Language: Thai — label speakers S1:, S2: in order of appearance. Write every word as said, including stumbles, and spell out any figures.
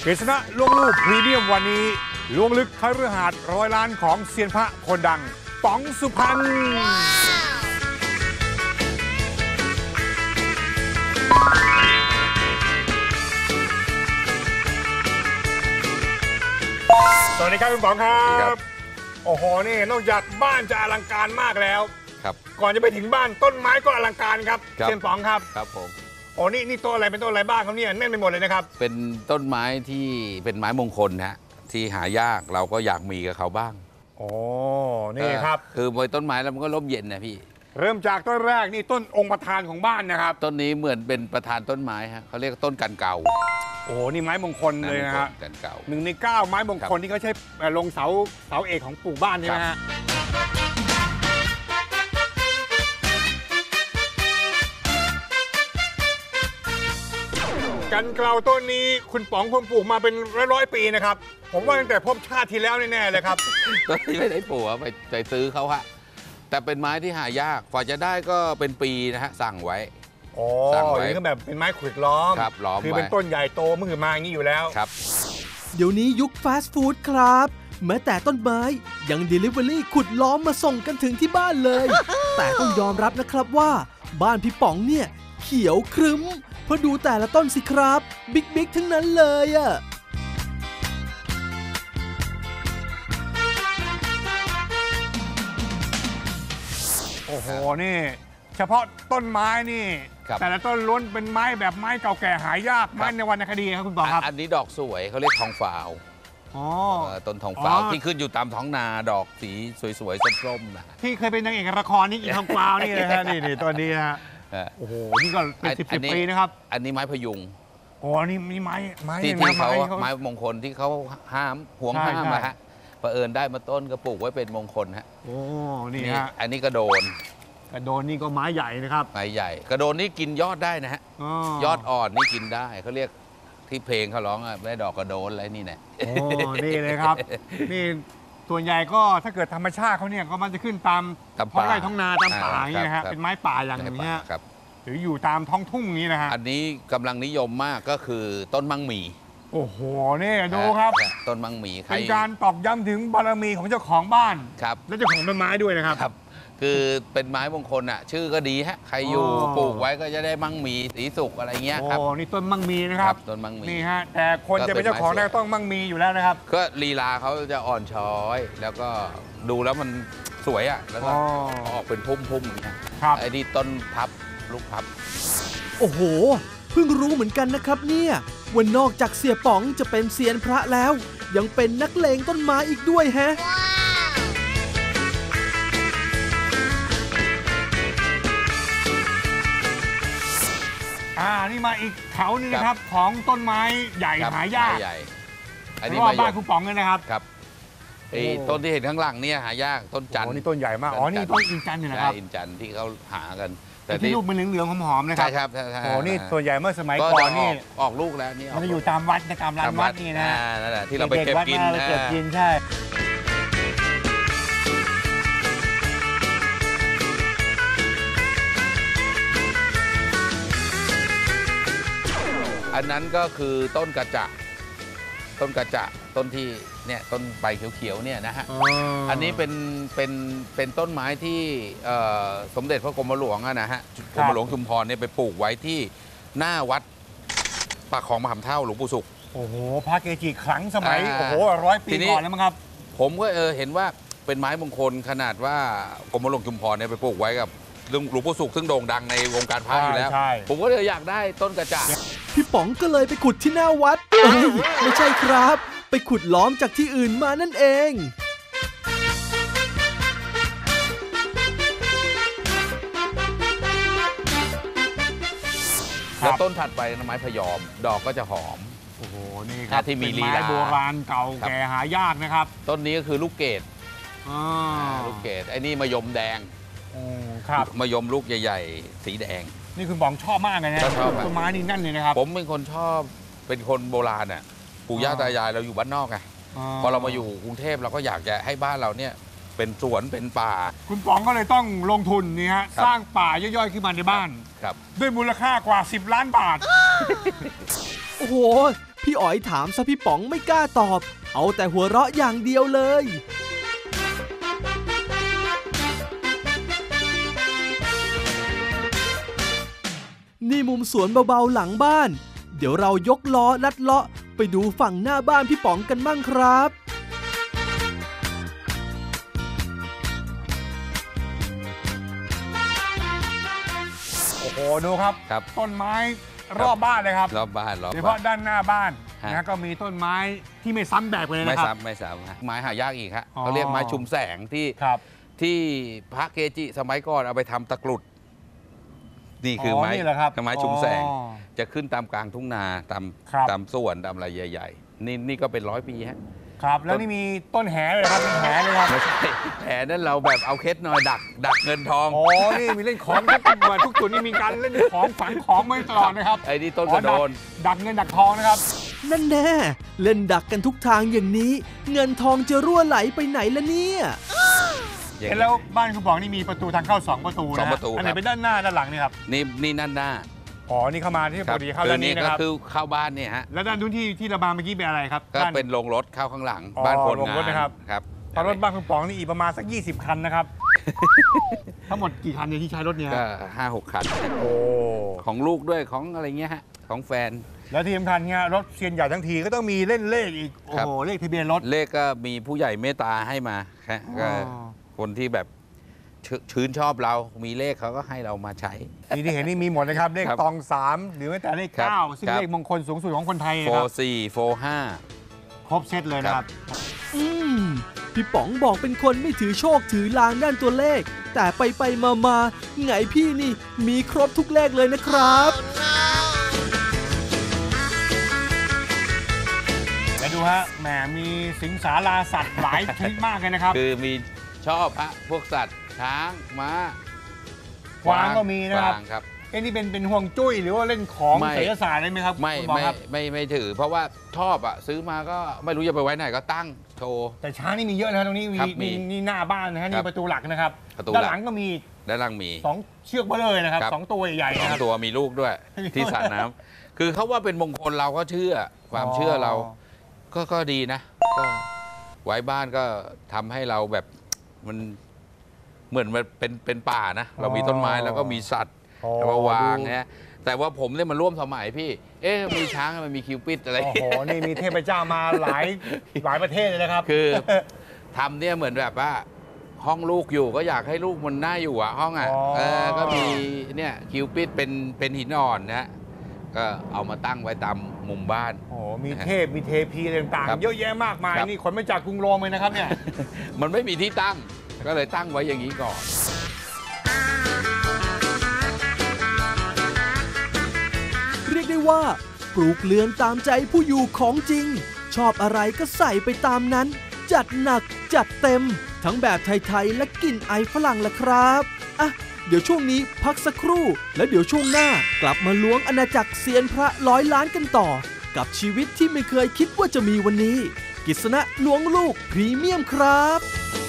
S1: ฤษณะล่วงลูกพรีเมียมวันนี้ล้วงลึกคฤหาสน์ร้อยล้านของเซียนพระคนดังป๋องสุพรรณสวัสดีครับคุณป๋องครับโอ้โหนี่นอกจากบ้านจะอลังการมากแล้ว
S2: ครับ
S1: ก่อนจะไปถึงบ้านต้นไม้ก็อลังการครับเซียนป๋องครับ
S2: ครับผม
S1: โอ้นี่นี่ต้นอะไรเป็นต้นอะไรบ้างครับเนี่ยแน่นไปหมดเลยนะครับ
S2: เป็นต้นไม้ที่เป็นไม้มงคลฮะที่หายากเราก็อยากมีกับเขาบ้าง
S1: โอ้นี่ครับ
S2: คือปล่อยต้นไม้แล้วมันก็ร่มเย็นนะพี่
S1: เริ่มจากต้นแรกนี่ต้นองค์ประธานของบ้านนะครับ
S2: ต้นนี้เหมือนเป็นประธานต้นไม้ฮะเขาเรียกต้นกันเก่า
S1: โอ้นี่ไม้มงคลเลยนะฮะ
S2: กันเก่า
S1: หนึ่งในเก้าไม้มงคลที่เขาใช้ลงเสาเสาเอกของปลูกบ้านใช่ไหมฮะกันเกลาต้นนี้คุณป๋องคงปลูกมาเป็นร้อยๆปีนะครับผมว่าตั้งแต่พบชาติที่แล้วแน่ๆเลยครับ
S2: ต้นนี้ไม่ได้ปลูกไปไปซื้อเขาฮะแต่เป็นไม้ที่หายากกว่าจะได้ก็เป็นปีนะฮะสั่งไว้
S1: อ๋อนี่ก็แบบเป็นไม้ขุดล้อม
S2: ครับล้อม
S1: คือเป็นต้นใหญ่โตมือมาอย่างนี้อยู่แล้ว
S2: ครับ
S3: เดี๋ยวนี้ยุคฟาสต์ฟู้ดครับแม้แต่ต้นไม้ยัง Delivery ขุดล้อมมาส่งกันถึงที่บ้านเลยแต่ต้องยอมรับนะครับว่าบ้านพี่ป๋องเนี่ยเขียวครึ้มเพราะดูแต่ละต้นสิครับบิ๊กบิ๊กทั้งนั้นเลยอะ
S1: โอ้โหนี่เฉพาะต้นไม้นี่แต่ละต้นล้วนเป็นไม้แบบไม้เก่าแก่หายากไม้ในวรรณคดีครับคุณป๋องครับ
S2: อันนี้ดอกสวยเขาเรียกทองฝาวต้นทองฝาวที่ขึ้นอยู่ตามท้องนาดอกสีสวยๆส้มๆนะ
S1: ที่เคยเป็นนางเอกละครนี่อีทองฝาวนี่เลยฮะนี่นี่ตัวนี้ฮะโอ้โหนี่ก็เป็นสิบสิบปีนะครับ
S2: อันนี้ไม้พยุง
S1: โอ้นี่นี่ไม้ไม้
S2: ที่ที่เขาไม้มงคลที่เขาห้ามห่วงห้ามนะฮะเผอิญได้มาต้นก็ปลูกไว้เป็นมงคลฮะ
S1: โอ้นี่ฮะ
S2: อันนี้กระโดน
S1: กระโดนนี่ก็ไม้ใหญ่นะครับ
S2: ไม้ใหญ่กระโดนนี่กินยอดได้นะฮะยอดอ่อนนี่กินได้เขาเรียกที่เพลงเขาร้องอะได้ดอกกระโดนอะไรนี่แหละ
S1: โอ้นี่เลยครับนี่ส่วนใหญ่ก็ถ้าเกิดธรรมชาติเขาเนี่ยก็มันจะขึ้นตามท้องไร่ท้องนาตามป่าอย่างนี้นะฮะเป็นไม้ป่าอย่างนี้หรืออยู่ตามท้องทุ่งนี้นะฮะ
S2: อันนี้กำลังนิยมมากก็คือต้นมังหมี
S1: โอ้โหนี่ดูครับ
S2: ต้นมังหมี
S1: เป็นการตอกย้ำถึงบารมีของเจ้าของบ้าน
S2: ครับ
S1: และเจ้าของต้นไม้ด้วยนะครับ
S2: ครับคือเป็นไม้มงคลอ่ะชื่อก็ดีฮะใครอยู่ปลูกไว้ก็จะได้มั่งมีสีสุกอะไรเงี้ยครับ
S1: โอ้นี่ต้นมั่งมีนะครับ
S2: ต้นมั่งมี
S1: นี่ฮะแต่คนจะเป็นเจ้าของได้ต้องมั่งมีอยู่แล้วนะครับ
S2: ก็ลีลาเขาจะอ่อนช้อยแล้วก็ดูแล้วมันสวยอ่ะแล้วก็ออกเป็นพุ่มๆอย่างเงี้ยไอ้นี่ต้นพับลูกพับ
S3: โอ้โหเพิ่งรู้เหมือนกันนะครับเนี่ยว่านอกจากเสียป๋องจะเป็นเซียนพระแล้วยังเป็นนักเลงต้นไม้อีกด้วยแฮะ
S1: อ่านี่มาอีกแถวนึงนะครับของต้นไม้ใหญ่หายากอันนี้บ้านคุณป๋องเลยนะครับ
S2: ครับไอ้ต้นที่เห็นข้างหลังเนี่ยหายากต้นจันทร์
S1: นี่ต้นใหญ่มากอ๋อนี่ต้นอินจันทร์นะครับ
S2: อินจันทร์ที่เขาหากัน
S1: แต่ที่ลูกมันเหลืองๆหอมๆนะครับ
S2: ใช่ครับ
S1: โอ้นี่ส่วนใหญ่เมื่อสมัยก่อนนี่
S2: ออกลูกแล้วนี่
S1: มันจะอยู่ตามวัดตามร้านวัดนี่นะ
S2: นั่นแหละที่เราไปเก็บกิน
S1: เก็บกินใช่
S2: อันนั้นก็คือต้นกระจะต้นกระจะต้นที่เนี่ยต้นใบเขียวๆเนี่ยนะฮะ อันนี้เป็นเป็นเป็นต้นไม้ที่สมเด็จพระกรมหลวงนะฮะกรมหลวงชุมพรเนี่ยไปปลูกไว้ที่หน้าวัดปากคลองมหาเท่าหลวงปู่ศุกร์
S1: โอ้โหพระเกจิขลังสมัยโอ้โหร้อยปีก่อนแล้วมั้งครับ
S2: ผมก็เออเห็นว่าเป็นไม้มงคลขนาดว่ากรมหลวงชุมพรเนี่ยไปปลูกไว้กับหลวงปู่ศุกร์ซึ่งโด่งดังในวงการพระอยู่แล้วผมก็เลยอยากได้ต้นกระจะ
S3: พี่ป๋องก็เลยไปขุดที่หน้าวัดเอ้ยไม่ใช่ครับไปขุดล้อมจากที่อื่นมานั่นเอง
S2: แล้วต้นถัดไปไม้พยอมดอกก็จะหอม
S1: โอ้โหนี่ครับ
S2: ที่มีลีลา
S1: ไม้โบราณเก่าแก่หายากนะครับ
S2: ต้นนี้ก็คือลูกเกดลูกเกดไอ้นี่มะยมแดง
S1: ครับ
S2: มะยมลูกใหญ่ๆสีแดง
S1: นี่คุณป๋องชอบมากเลยนะต้นไม้นี่นั่นเลยนะครับ
S2: ผมเป็นคนชอบเป็นคนโบราณอ่ะปู่ย่าตายายเราอยู่บ้านนอกไงพอเรามาอยู่กรุงเทพเราก็อยากจะให้บ้านเราเนี่ยเป็นสวนเป็นป่า
S1: คุณป๋องก็เลยต้องลงทุนนี่ฮะสร้างป่าย่อยๆขึ้นมาในบ้าน
S2: ครับ
S1: ด้วยมูลค่ากว่าสิบล้านบาท
S3: โอ้โหพี่อ๋อยถามซะพี่ป๋องไม่กล้าตอบ เอาแต่หัวเราะอย่างเดียวเลย นี่มุมสวนเบาๆหลังบ้าน เดี๋ยวเรายกล้อลัดเลาะไปดูฝั่งหน้าบ้านพี่ป๋องกันบ้างครับ
S1: โอ้โหดูครับ
S2: ครับ
S1: ต้นไม้รอบบ้านเลยครับ
S2: รอบบ้านรอบ
S1: โดยเฉ
S2: บ้า
S1: พาะ
S2: น
S1: ด้านหน้าบ้าน
S2: ฮะ
S1: นะก็มีต้นไม้ที่ไม่ซ้ำแบบเลย
S2: ไม่
S1: นะครับ
S2: ซ้ำไม่ซ้ำฮะไม้หายากอีกฮะ
S1: อ๋อ
S2: เขาเรียกไม้ชุมแสงที่
S1: ครับ
S2: ที่พระเกจิสมัยก่อนเอาไปทำตะกรุด นี่คือ
S1: อ
S2: ไม้
S1: นี่เหรอครับ
S2: ไม้ชุมแสง
S1: อ๋อ
S2: จะขึ้นตามกลางทุ่งนาตาม
S1: ครับ
S2: ตามสวนตามอะไรใหญ่ ๆ นี่นี่ก็เป็นร้อยปีฮะ
S1: ครับแล้วนี่มีต้นแหเลยครับมีแหเลยครับ
S2: ไม่ใช่แผลนั่นเราแบบเอาเคสหน่อยดัก ดักเงินทอง
S1: อ๋อนี่มีเล่นของทุกจุดทุกจุดนี่มีการเล่นของฝังของมาตลอดนะครับ
S2: ไอ้นี่ต้นกระโดน
S1: อ๋อดักดักเงินดักทองนะครับ
S3: นั่นแน่เล่นดักกันทุกทางอย่างนี้ เงินทองจะรั่วไหลไปไหนล่ะเนี่ย
S2: อย่าง
S1: เห็น
S2: นี้
S1: แล้วบ้านคุณป๋องนี่มีประตูทางเข้าสองประตูนะ
S2: สองประตู
S1: อันไหน
S2: ครับ
S1: เป็นด้านหน้าด้านหลังเนี่ยครับ
S2: นี่นี่นั่นหน้า
S1: อ๋อนี่เข้ามาที่ปกติเข้า
S2: คื
S1: ด้านนี้นะครับ
S2: ก็คือเข้าบ้านเนี่ยฮะ
S1: แล้วด้านนู้นที่ที่ระบายเมื่อกี้เป็นอะไรครับ
S2: ก็
S1: ด้า
S2: เป็นโรงรถเข้าข้างหลัง
S1: อ๋อ
S2: บ้านคน
S1: โรง
S2: งาน
S1: รถนะครับ
S2: ครับ
S1: ตอนรถบ้านคุณป๋องนี่อีกประมาณสักยี่สิบคันนะครับ ทั้งหมดกี่คันเนี่ยที่ใช้รถเนี่ย
S2: ก็ห้าหกคัน
S1: โอ้
S2: ของลูกด้วยของอะไรเงี้ยฮะของแฟน
S1: แล้วที่สำคัญเนี่ยรถเซียนใหญ่ทั้งทีก็ต้องมีเล่นเลขอีก โอ้
S2: ครับ
S1: โห เลขทะเบียนรถ
S2: เลขก็มีผู้ใหญ่เมตตาให้มาฮะก็
S1: อ๋อ
S2: คนที่แบบชื่นชื่นชอบเรา มีเลขเขาก็ให้เรามาใช้
S1: นี่ที่เห็นนี่มีหมดนะครับ เลข
S2: ครับ
S1: ตองสามหรือแม้แต่เลข
S2: ครับ
S1: เก้าซึ่ง
S2: ครับ
S1: เลขมงคลสูงสุดของคนไทย
S2: โฟ
S1: นะครับ
S2: สี่โฟห้า
S1: ครบเซตเลยนะครับ
S3: อืมพี่ป๋องบอกเป็นคนไม่ถือโชคถือลางด้านตัวเลข แต่ไปไปมามาไงพี่นี่มีครบทุกเลขเลยนะครับ
S1: และดูฮะ แหม มีสิงสาราสัตว์หลายชนิดมากเลยนะครับ
S2: คือมีชอบฮะพวกสัตว์ช้างม้าก
S1: วางก็มีนะครับ
S2: กวางครับ
S1: เอ้นี่เป็นเป็นห่วงจุ้ยหรือว่าเล่นของ
S2: ไม่
S1: ไสยศาสตร์ได้ไหมครับ
S2: ไม่
S1: คุณหมอ
S2: ไม่
S1: ครับ
S2: ไม่ไม่ถือ เพราะว่าชอบอ่ะซื้อมาก็ไม่รู้จะไปไว้ไหนก็ตั้งโชว์
S1: แต่ช้างนี่มีเยอะนะครับตรงนี้มี
S2: ครับมี
S1: นี่นี่หน้าบ้านนะฮะ
S2: ครั
S1: นี่
S2: บ
S1: ประตูหลักนะครับ
S2: ประตู
S1: ด้าน
S2: หลัก
S1: หลังก็มี
S2: ด้านล่างมี
S1: สองเชือกเบลเลยนะครับ
S2: ครับ
S1: สองตัวใหญ่ๆ
S2: สอ
S1: นะ
S2: ง
S1: ครับ
S2: ตัวมีลูกด้วย ที่สระน้ำคือเขาว่าเป็นมงคลเราก็เชื่อ ความเชื่อเราก็ก็ดีนะก็ไว้บ้านก็ทำให้เราแบบมันเหมือนมันเป็นเป็นป่านะ เรามีต้นไม้แล้วก็มีสัตว์
S1: อ๋อ
S2: แล้วมาวาง
S1: ดู
S2: นะแต่ว่าผมเนี่ยมันร่วมสมัยพี่ เอ๊ะมีช้างมันมีคิวปิดอะไร
S1: โอ้โห นี่มีเทพเจ้ามาหลายหลายประเทศเลยนะครับ
S2: คือทำเนี่ยเหมือนแบบว่าห้องลูกอยู่ก็อยากให้ลูกมันน่าอยู่อ่ะห้องอ่ะ
S1: อ๋อ
S2: เออก็มีเนี่ยคิวปิดเป็นเป็นหินอ่อนนะก็เอามาตั้งไว้ตามมุมบ้าน
S1: โอ้โหมีเทพ มีเทพีอะไรต่าง
S2: ครับ
S1: ๆ เยอะแยะมากมาย
S2: ครับ
S1: นี่ขนมาจากกรุงโรมเลยนะครับเนี่ย
S2: มันไม่มีที่ตั้ง ก็เลยตั้งไว้อย่างนี้ก่อน
S3: เรียกได้ว่าปลูกเรือนตามใจผู้อยู่ของจริง ชอบอะไรก็ใส่ไปตามนั้น จัดหนักจัดเต็ม ทั้งแบบไทยๆและกลิ่นไอฝรั่งละครับอ่ะเดี๋ยวช่วงนี้พักสักครู่ แล้วเดี๋ยวช่วงหน้ากลับมาล้วงอาณาจักรเซียนพระร้อยล้านกันต่อ กับชีวิตที่ไม่เคยคิดว่าจะมีวันนี้ กฤษณะล้วงลูกพรีเมียมครับ